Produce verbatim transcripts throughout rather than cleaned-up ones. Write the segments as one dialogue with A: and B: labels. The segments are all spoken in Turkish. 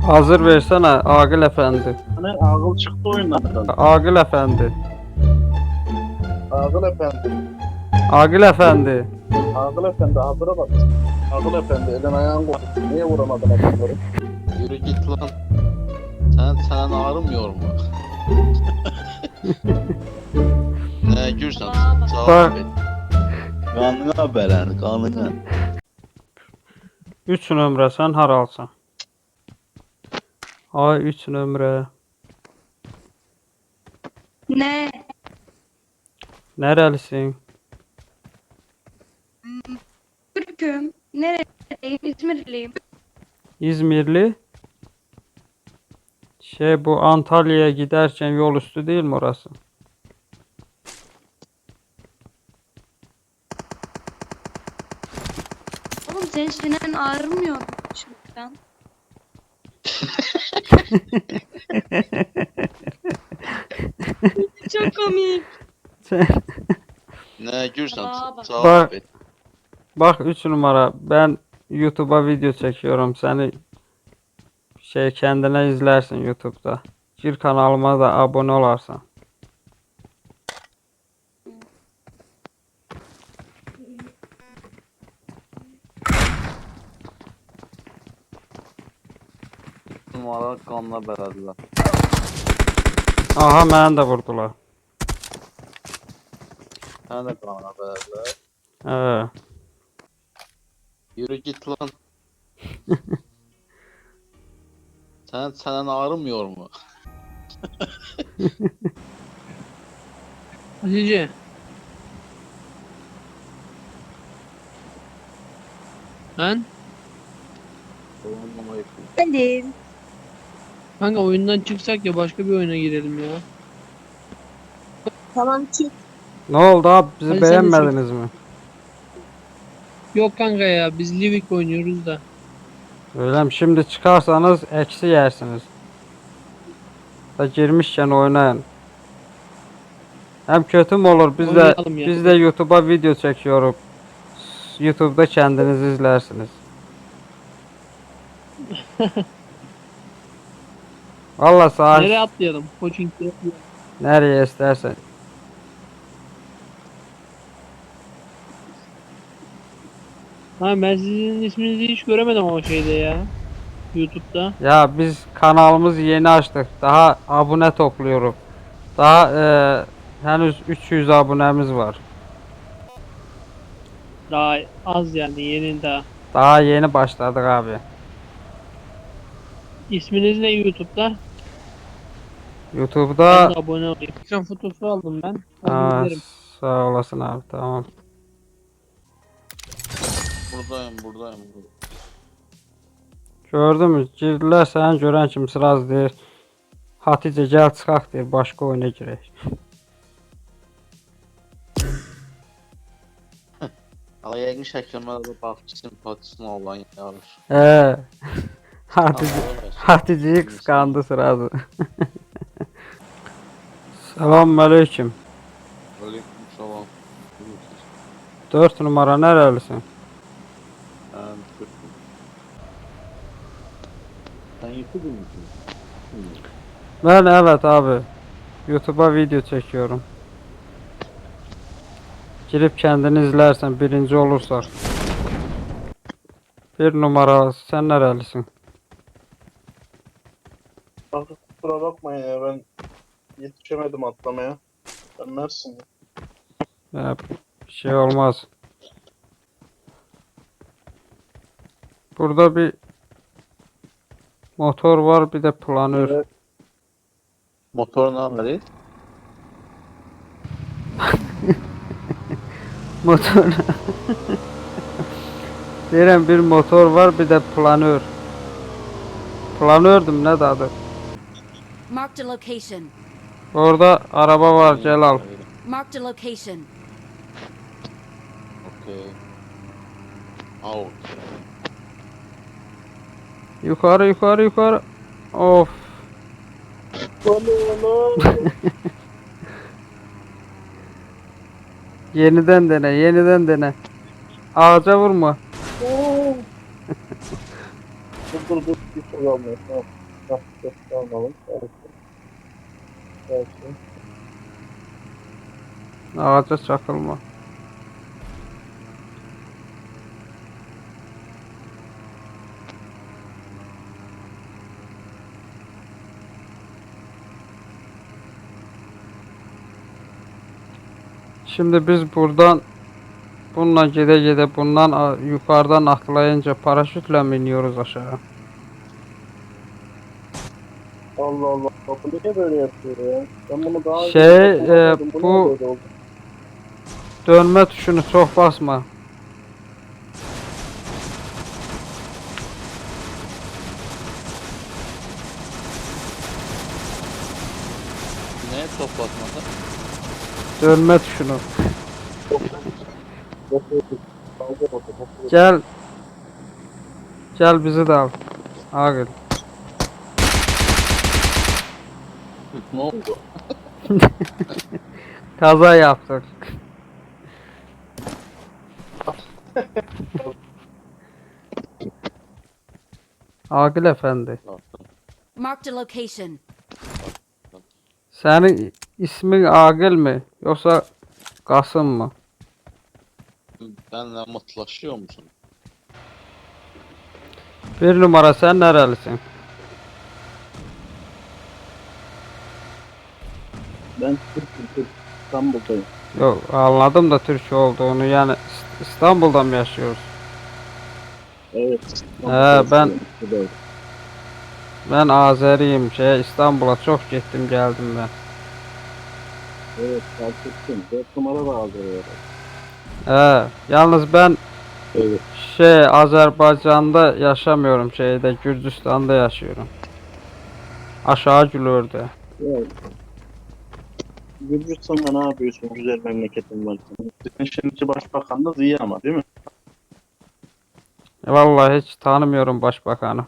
A: Hazır versene Agil Efendi.
B: Hani Ağıl çıktı oyunlardan.
A: Agil Efendi.
B: Ağıl Efendi.
A: Agil Efendi.
B: Ağıl Efendi hazıra bak. Ağıl Efendi elin ayağın koptu. Niye vuramadın adamları?
C: Yürü git lan. Sen sen ağrımıyor mu? Ne gürsen cevap et. Kanına belen kanına.
A: Üç nömrə sən haralsan? Ay üç nömrə.
D: Ne?
A: Nerelisin?
D: Türk'üm. Nereliyim? İzmirliyim.
A: İzmirli. Şey bu Antalya'ya giderken yol üstü değil mi orası?
D: Oğlum senin çenen ağrımıyor mu şimdiden? Çok komik.
C: Ne gürsen
D: Aa, bak.
C: cevap et.
A: Bak üç numara ben YouTube'a video çekiyorum. Seni şey kendine izlersin YouTube'da. Gir kanalıma da abone olarsan.
C: Numara kanına belediler.
A: Aha məni də vurdular.
C: Sen de kanına belediler.
A: Hə.
C: Yürü git lan. sen sen ağrımıyor mu?
E: Hatice. Lan
D: Benim.
E: kanka oyundan çıksak ya başka bir oyuna girelim ya.
D: Tamam çık.
A: Ne oldu abi bizi
E: Hadi sen de
A: beğenmediniz mi?
E: Yok kanka ya biz Livik oynuyoruz da.
A: Öyle mi? Şimdi çıkarsanız eksi yersiniz. Da girmişken oynayın. Hem kötü mü olur biz de
E: Oynayalım ya.
A: biz de YouTube'a video çekiyoruz. YouTube'da kendiniz izlersiniz. Vallahi sağ
E: Nereye atlayalım? Koçing'de.
A: nereye istersen.
E: Ha ben sizin isminizi hiç göremedim o şeyde ya. YouTube'da.
A: Ya biz kanalımızı yeni açtık. Daha abone topluyoruz. Daha e, henüz üç yüz abonemiz var.
E: Daha az yani yeni daha.
A: Daha yeni başladık abi.
E: İsminiz ne YouTube'da?
A: YouTube'da
E: Ben de abone olayım. Ekran fotosu aldım ben.
A: Aa,
E: Onu izlerim.
A: sağ olasın abi tamam.
C: Buradayım buradayım. buradayım.
A: Gördün mü? Girdiler sen görən kimi sıraz deyir. Hatice gel çıxaq deyir. Başqa oyuna girək.
C: Ama yəqin şəklimə də baxçı simpatisini olan yarış.
A: He. Hatice Hatice'yi kıskandı sırası. Selamun aleyküm.
C: Aleyküm salam.
A: dört numara nerelisin?
C: Ben Türk'üm. Sen YouTuber musun?
A: Ben evet abi. YouTube'a video çekiyorum. Girip kendini izlersen birinci olursak. Bir numara sen nerelisin?
B: Kanka kusura bakmayın ya ben yetişemedim atlamaya. Ben Mersin'im.
A: Ya, bir şey olmaz. Burada bir motor var bir de planör.
B: Evet.
C: Motor ne haberi?
A: Motor. Deyirəm bir motor var bir de planör. Planördüm ne de adı.
F: Marked a location.
A: Orada araba var gel al.
F: Marked a location.
C: Okey. Out.
A: Yukarı yukarı yukarı. Of. Yeniden dene yeniden dene. Ağaca vurma.
B: Dur dur dur dur. Bir şey almıyor. Tamam. Hah, dur, almalım. Belki. Belki.
A: Ağaca çakılma. Şimdi biz buradan bununla gide gide bundan a- yukarıdan atlayınca paraşütle mi iniyoruz aşağı?
B: Allah Allah. Bu niye böyle yapıyor ya? Ben bunu daha önce
A: Şey,
B: yapamadım.
A: e,
B: Bu
A: bu-
B: niye böyle oldu?
A: Dönme tuşunu çok basma.
C: Neye toplatmadı?
A: Dönme tuşunu.
B: Yok, yok, yok. Dalga oldu, yok, yok.
A: Gel. Gel bizi de al. Ağır.
C: Ne oldu?
A: Kaza yaptık. Agil efendi.
F: Marked a location.
A: Senin ismin Agil mi? Yoksa Kasım mı?
C: Benle mutlaşıyor musun?
A: Bir numara sen nerelisin?
B: Ben Türk'üm, Türk. İstanbul'dayım.
A: Yok anladım da Türk olduğunu yani İst- İstanbul'da mı yaşıyoruz?
B: Evet.
A: He, ben-
B: Buradayım.
A: Ben Azeriyim şey İstanbul'a çok gittim geldim ben.
B: Evet, fark ettim. Dört numara da aldı oraya.
A: He, yalnız ben
B: Evet.
A: şey Azerbaycan'da yaşamıyorum şeyde Gürcistan'da yaşıyorum. Aşağı Gülör'de.
B: Evet. Gürcistan'da ne yapıyorsun? Güzel memleketin var. Senin şimdiki başbakan da Ziya ama değil mi?
A: Vallahi hiç tanımıyorum başbakanı.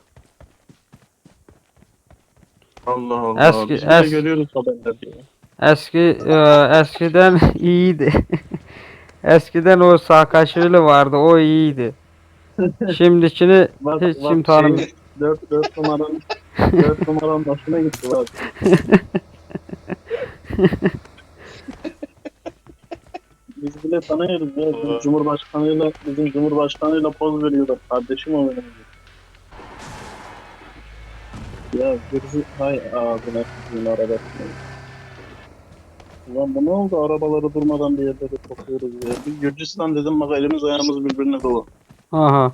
B: Allah Allah.
A: Eski-
B: Biz bile
A: es-
B: görüyoruz haberlerde. ya.
A: Eski e, eskiden iyiydi. Eskiden o Saakashvili vardı o iyiydi. Şimdikini
B: Bak,
A: hiç
B: bak
A: kim tanımıyor.
B: şey, dört, dört numaranın dört numaranın başına gitti bak. Biz bile tanıyoruz ya. Bizim Cumhurbaşkanıyla bizim Cumhurbaşkanıyla poz veriyorlar. Kardeşim o benim. Ya Gürcü hay ağzına sizin arabasını. Ulan bu ne oldu? Arabaları durmadan bir yerde de topluyoruz ya. Biz Gürcistan dedim bak elimiz ayağımız birbirine dolu.
A: Aha.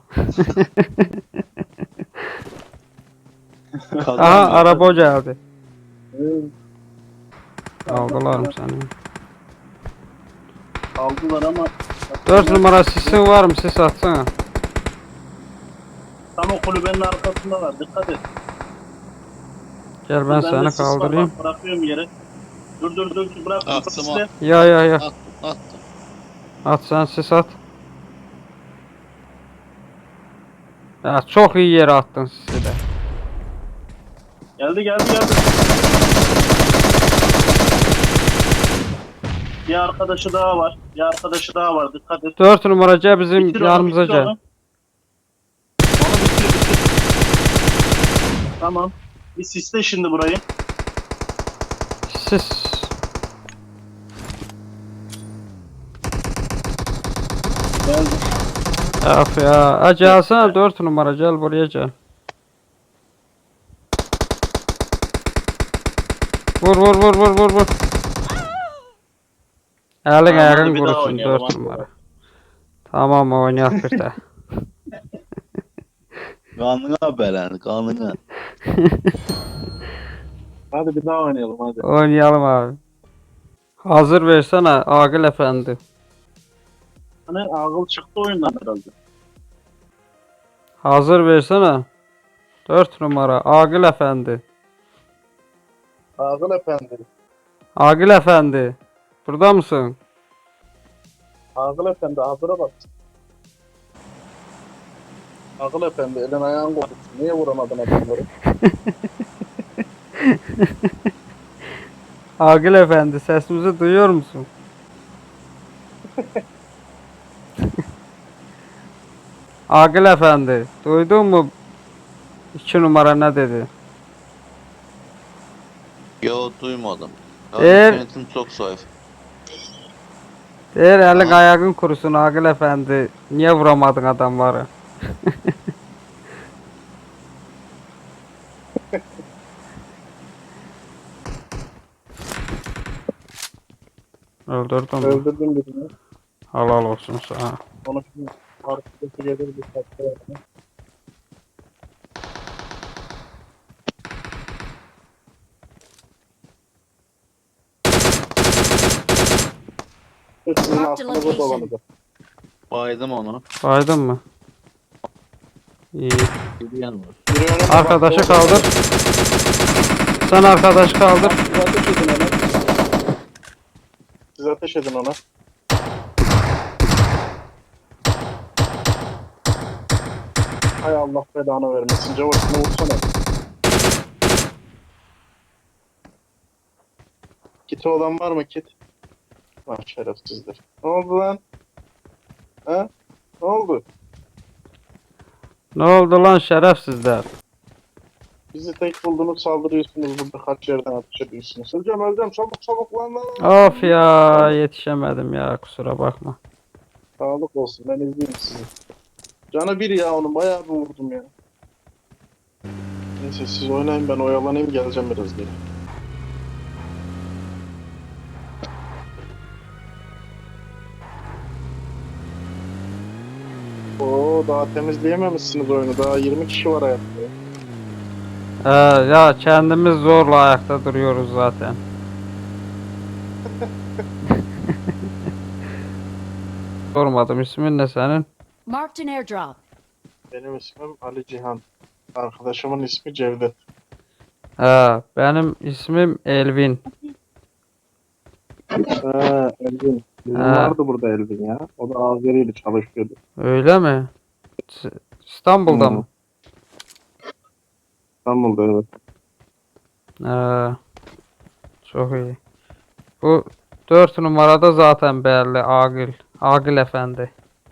A: Aha araba geldi.
B: Evet,
A: Aldılar mı seni?
B: aldılar ama
A: Dört numara sisin var mı? Sis atsana.
B: tam o kulübenin arkasında var. Dikkat et.
A: Gel ben
B: Bende
A: seni
B: sis var,
A: kaldırayım.
B: bak, bırakıyorum yere. Dur dur dur bırak.
C: Attım,
B: sisle.
A: Ya ya ya.
C: Attım attım.
A: At sen sis at. Ya çok iyi yere attın sisi de.
B: Geldi geldi geldi. Bir arkadaşı daha var. Bir arkadaşı daha var. Dikkat et.
A: Dört numara gel bizim
B: Bitir onu,
A: yanımıza
B: bitir
A: gel.
B: onu. Onu bitir bitir. Tamam. Bir sisle şimdi burayı.
A: Sis.
B: Geldi.
A: Of ya. Ha, gelsene dört numara gel buraya gel. Vur vur vur vur vur vur. Elin
B: Tamam,
A: ayağın
B: hadi bir daha
A: kurusun
B: oynayalım,
A: dört
B: hadi.
A: numara. Tamam oynayak bir de.
C: Kanına belen kanına.
B: Hadi bir daha oynayalım hadi.
A: Oynayalım abi. Hazır versene Agil efendi.
B: Hani ağıl çıktı oyundan herhalde.
A: Hazır versene. Dört numara Agil efendi.
B: Ağıl efendi.
A: Agil efendi. Burada mısın?
B: Ağıl efendi hazıra bak. Ağıl efendi elin ayağın koptu. Niye vuramadın adamları?
A: Agil efendi sesimizi duyuyor musun? Agil efendi duydun mu? iki numara ne dedi?
C: Yo duymadım. Ya
A: Eğer-
C: internetim çok zayıf.
A: Değer elin
C: Aha.
A: ayağın kurusun Agil efendi. Niye vuramadın adamları? Öldürdün mü?
B: Öldürdüm birini.
A: Halal olsun sana.
B: Onu şimdi arkadaşı gelir bir tatlı yapma. Sizin
F: Marked
B: aklını bu
F: location.
B: dolanacak.
C: Baydım onu.
A: Baydın mı? İyi.
C: Bir yan var.
B: Biri önüne
A: Arkadaşı
B: bak,
A: kaldır. Sen arkadaşı kaldır.
B: Siz ateş edin ona. Siz ateş edin ona. Hay Allah belanı vermesin. Cavuşunu vursana. Kiti olan var mı kit? Var şerefsizdir. Ne oldu lan? Ha? Ne oldu?
A: Ne oldu lan şerefsizler?
B: Bizi tek buldunuz saldırıyorsunuz burada kaç yerden ateş ediyorsunuz. Öleceğim öleceğim çabuk çabuk lan lan. lan.
A: Of ya yetişemedim ya kusura bakma.
B: Sağlık olsun ben izleyeyim sizi. Canı bir ya onun bayağı bir vurdum ya. Neyse siz oynayın ben oyalanayım geleceğim biraz geri. Oo daha temizleyememişsiniz oyunu. Daha yirmi kişi var hayatta.
A: Ee, ya kendimiz zorla ayakta duruyoruz zaten. Sormadım ismin ne senin?
F: Marked an airdrop.
B: Benim ismim Ali Cihan. Arkadaşımın ismi Cevdet.
A: Ee, benim ismim Elvin.
B: Ha Elvin. Bizim
A: Ha.
B: vardı burada Elvin ya. O da Azeri'yle çalışıyordu.
A: Öyle mi? S- İstanbul'da
B: Hı.
A: mı?
B: İstanbul'da evet.
A: Ee, çok iyi. Bu dört numarada zaten belli Agil. Agil efendi.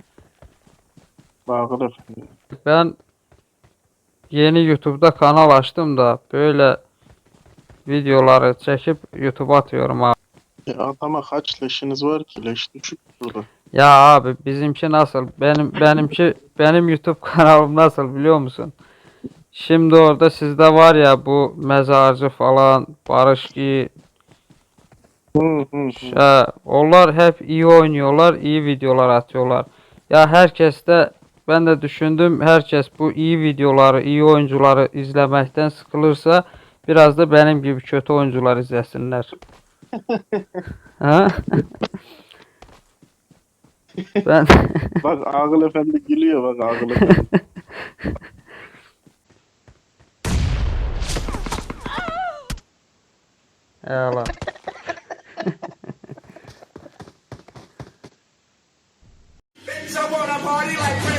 B: Bağır efendim.
A: Ben yeni YouTube'da kanal açtım da böyle videoları çekip YouTube'a atıyorum abi.
B: Ya adama kaç leşiniz var ki? Leş düşük burada.
A: Ya abi bizimki nasıl? Benim benimki benim YouTube kanalım nasıl biliyor musun? Şimdi orada sizde var ya bu mezarcı falan Barışki
B: Hı hı hı.
A: He, onlar hep iyi oynuyorlar, iyi videolar atıyorlar. Ya herkes de ben de düşündüm herkes bu iyi videoları, iyi oyuncuları izlemekten sıkılırsa biraz da benim gibi kötü oyuncular izlesinler. Ha? Ben
B: Bak Ağıl Efendi gülüyor bak Ağıl Efendi.
A: Eyvallah.
G: Bitch, I wanna party like